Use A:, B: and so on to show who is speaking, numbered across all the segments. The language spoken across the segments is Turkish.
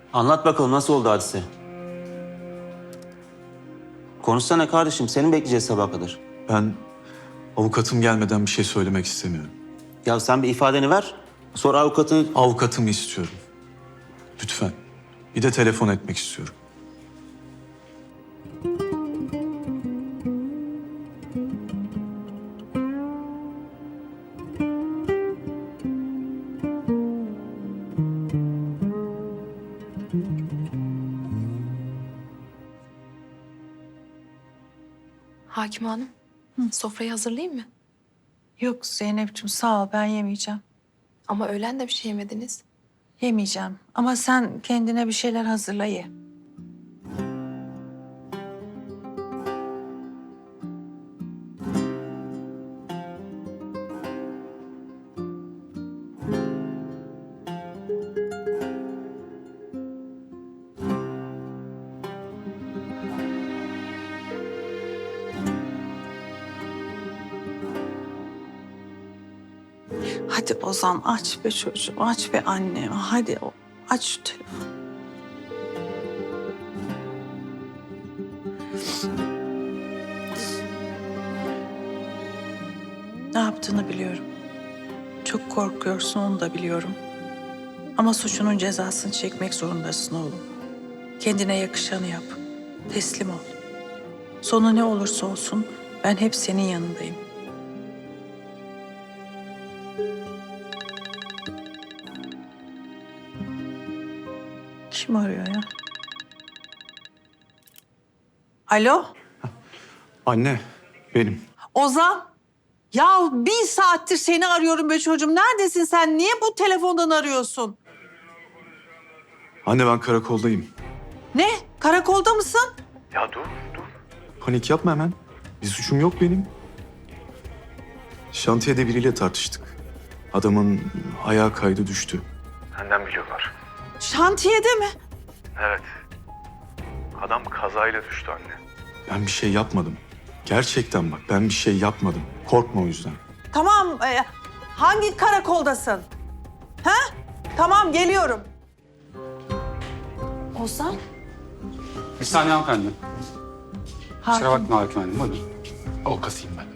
A: Anlat bakalım nasıl oldu hadise? Konuşsana kardeşim, seni mi bekleyeceğiz sabaha kadar?
B: Ben avukatım gelmeden bir şey söylemek istemiyorum.
A: Ya sen bir ifadeni ver, sonra avukatını...
B: Avukatımı istiyorum. Lütfen. Bir de telefon etmek istiyorum.
C: Hakim Hanım, sofrayı hazırlayayım mı?
D: Yok Zeynep'ciğim sağ ol ben yemeyeceğim.
C: Ama öğlen de bir şey yemediniz.
D: Yemeyeceğim ama sen kendine bir şeyler hazırla ye. Hadi Ozan aç be çocuğum, aç be anne. Hadi aç şu telefonu. Ne yaptığını biliyorum. Çok korkuyorsun onu da biliyorum. Ama suçunun cezasını çekmek zorundasın oğlum. Kendine yakışanı yap. Teslim ol. Sonu ne olursa olsun ben hep senin yanındayım. Kim arıyor ya? Alo?
B: Anne, benim.
D: Ozan? Ya 1 saattir seni arıyorum be çocuğum. Neredesin sen? Niye bu telefondan arıyorsun?
B: Anne ben karakoldayım.
D: Ne? Karakolda mısın?
B: Panik yapma hemen. Bir suçum yok benim. Şantiyede biriyle tartıştık. Adamın ayağı kaydı düştü.
E: Senden biliyorlar.
D: Şantiyede mi?
E: Evet. Adam kazayla düştü anne.
B: Ben bir şey yapmadım. Gerçekten bak ben bir şey yapmadım. Korkma o yüzden.
D: Tamam. Hangi karakoldasın? Ha? Tamam geliyorum.
C: Ozan,
F: Bir saniye hanımefendi. Kusura
D: Hakim.
F: bakma hakim hanım. Buyurun. Avukatıyım ben.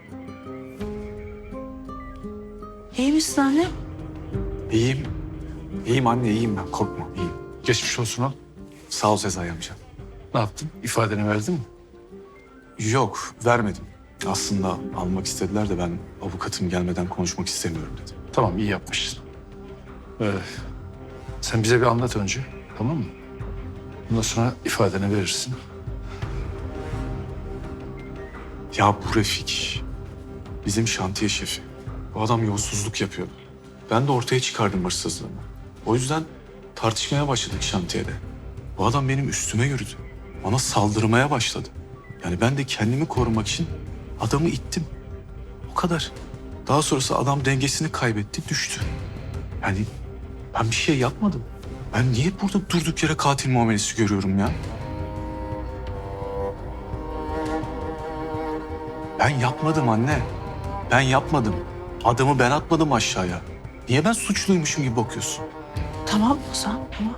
D: İyi misin anne?
B: İyiyim. İyiyim anne iyiyim ben. Korkma iyiyim.
F: Geçmiş olsun al.
B: Sağ ol Sezai amca.
F: Ne yaptın? İfadeni verdin mi?
B: Yok vermedim. Aslında almak istediler de ben avukatım gelmeden konuşmak istemiyorum dedim.
F: Tamam iyi yapmışsın. Sen bize bir anlat önce. Tamam mı? Ondan sonra ifadeni verirsin.
B: Ya bu Refik bizim şantiye şefi. Bu adam yolsuzluk yapıyordu. Ben de ortaya çıkardım hırsızlığımı. O yüzden tartışmaya başladık şantiyede. Bu adam benim üstüme yürüdü. Bana saldırmaya başladı. Yani ben de kendimi korumak için adamı ittim. O kadar. Daha sonrası adam dengesini kaybetti, düştü. Yani ben bir şey yapmadım. Ben niye burada durduk yere katil muamelesi görüyorum ya? Ben yapmadım anne. Ben yapmadım. Adamı ben atmadım aşağıya. Niye ben suçluymuşum gibi bakıyorsun?
D: Tamam Ozan tamam.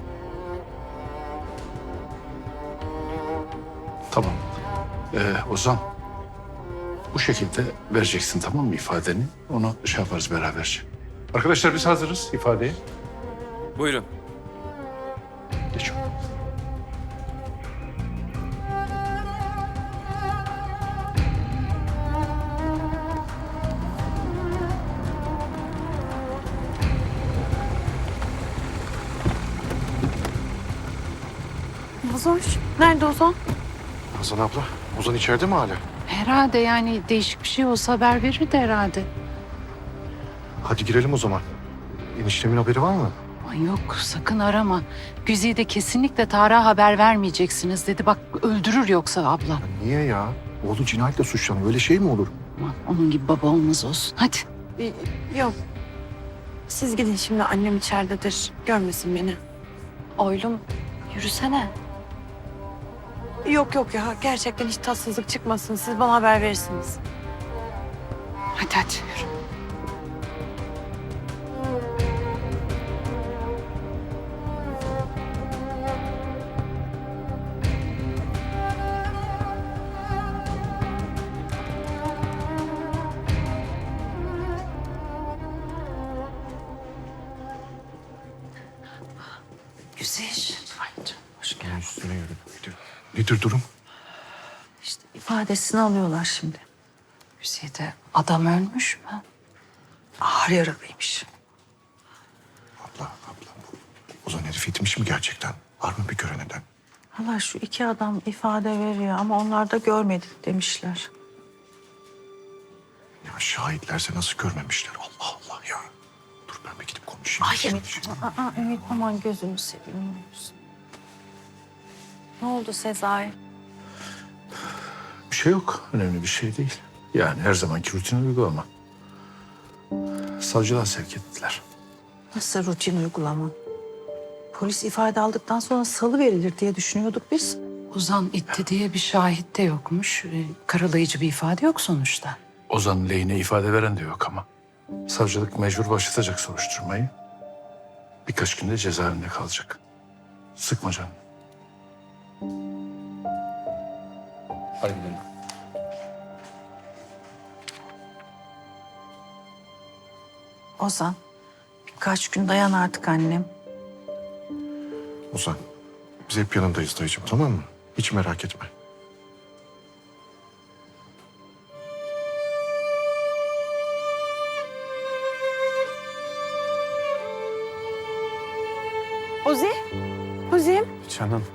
F: Tamam. Ozan. Bu şekilde vereceksin tamam mı ifadeni? Onu şey yaparız beraberce. Arkadaşlar biz hazırız ifadeye.
A: Buyurun.
F: Geç.
G: Ozan, nerede Ozan?
E: Hazan abla, Ozan içeride mi hala?
G: Herhalde yani değişik bir şey olsa haber verirdi herhalde.
E: Hadi girelim o zaman. Eniştemin haberi var mı?
G: Ay yok sakın arama. Güzide kesinlikle Tarık'a haber vermeyeceksiniz dedi. Bak öldürür yoksa ablam.
E: Ya niye ya? Oğlu cinayetle suçlanıyor. Öyle şey mi olur?
G: Aman, onun gibi baba olmaz olsun. Hadi.
H: Yok. Siz gidin şimdi annem içeridedir. Görmesin beni.
C: oylum yürüsene.
H: Yok yok ya gerçekten hiç tatsızlık çıkmasın. Siz bana haber verirsiniz.
G: Hadi hadi yürü.
D: Güzel. Ay canım, hoş geldin.
E: Üstüne yürü. Nedir durum?
D: İşte ifadesini alıyorlar şimdi.
G: Güzide adam ölmüş mü?
D: Ağır yaralıymış.
E: Abla. Ozan herif gitmiş mi gerçekten? Var mı bir gören eden?
D: Hala şu iki adam ifade veriyor ama onlar da görmedik demişler.
E: Ya şahitlerse nasıl görmemişler? Allah Allah ya. Dur ben bir gidip konuşayım.
H: Ümit aman gözünü seveyim. Ne oldu Sezai?
F: Bir şey yok. Önemli bir şey değil. Yani her zamanki rutin uygulama. Savcılığa sevk ettiler.
D: Nasıl rutin uygulama? Polis ifade aldıktan sonra salı verilir diye düşünüyorduk biz.
G: Ozan itti diye bir şahit de yokmuş. Karalayıcı bir ifade yok sonuçta.
F: Ozan'ın lehine ifade veren de yok ama. Savcılık mecbur başlatacak soruşturmayı. Birkaç günde cezaevinde kalacak. Sıkma canını. Hadi gidelim.
D: Ozan, birkaç gün dayan artık annem.
E: Ozan biz hep yanındayız dayıcığım, tamam mı? Hiç merak etme.
H: Ozi? Ozim?
B: Canım.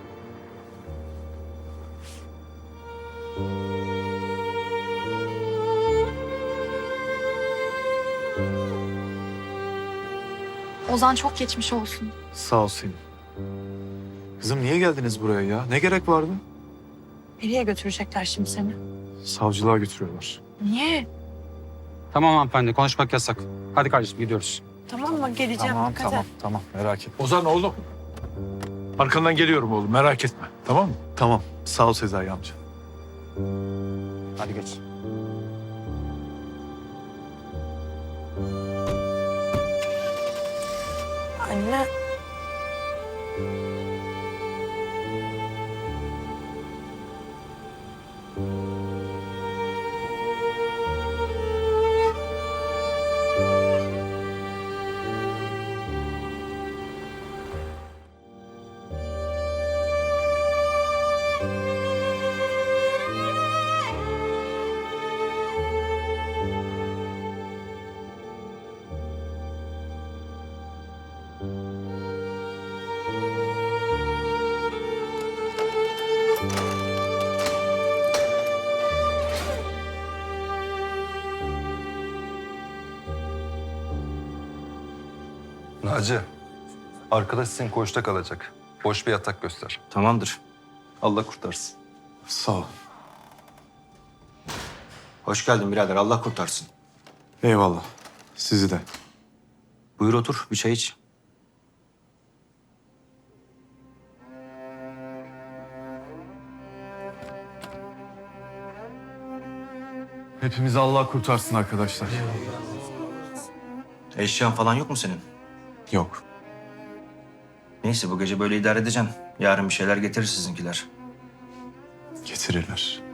C: Ozan çok geçmiş olsun.
B: Sağ ol Selin. Kızım niye geldiniz buraya ya? Ne gerek vardı?
H: Nereye götürecekler şimdi seni?
B: Savcılığa götürüyorlar.
H: Niye?
I: Tamam hanımefendi, konuşmak yasak. Hadi kardeşim gidiyoruz.
H: Tamam mı? Geleceğim. Dikkat et.
B: Tamam merak etme.
F: Ozan oğlum. Arkandan geliyorum oğlum, merak etme. Tamam mı?
B: Tamam sağ ol Sezai amca.
I: Hadi geç.
H: Anne.
J: Naci, arkadaş senin koğuşta kalacak. Boş bir yatak göster.
A: Tamamdır.
J: Allah kurtarsın.
B: Sağ ol.
A: Hoş geldin birader. Allah kurtarsın.
B: Eyvallah. Sizi de.
A: Buyur otur. Bir çay iç.
B: Hepimizi Allah kurtarsın arkadaşlar.
A: Eşyan falan yok mu senin?
B: Yok.
A: Neyse bu gece böyle idare edeceksin. Yarın bir şeyler getirir sizinkiler.
B: Getirirler.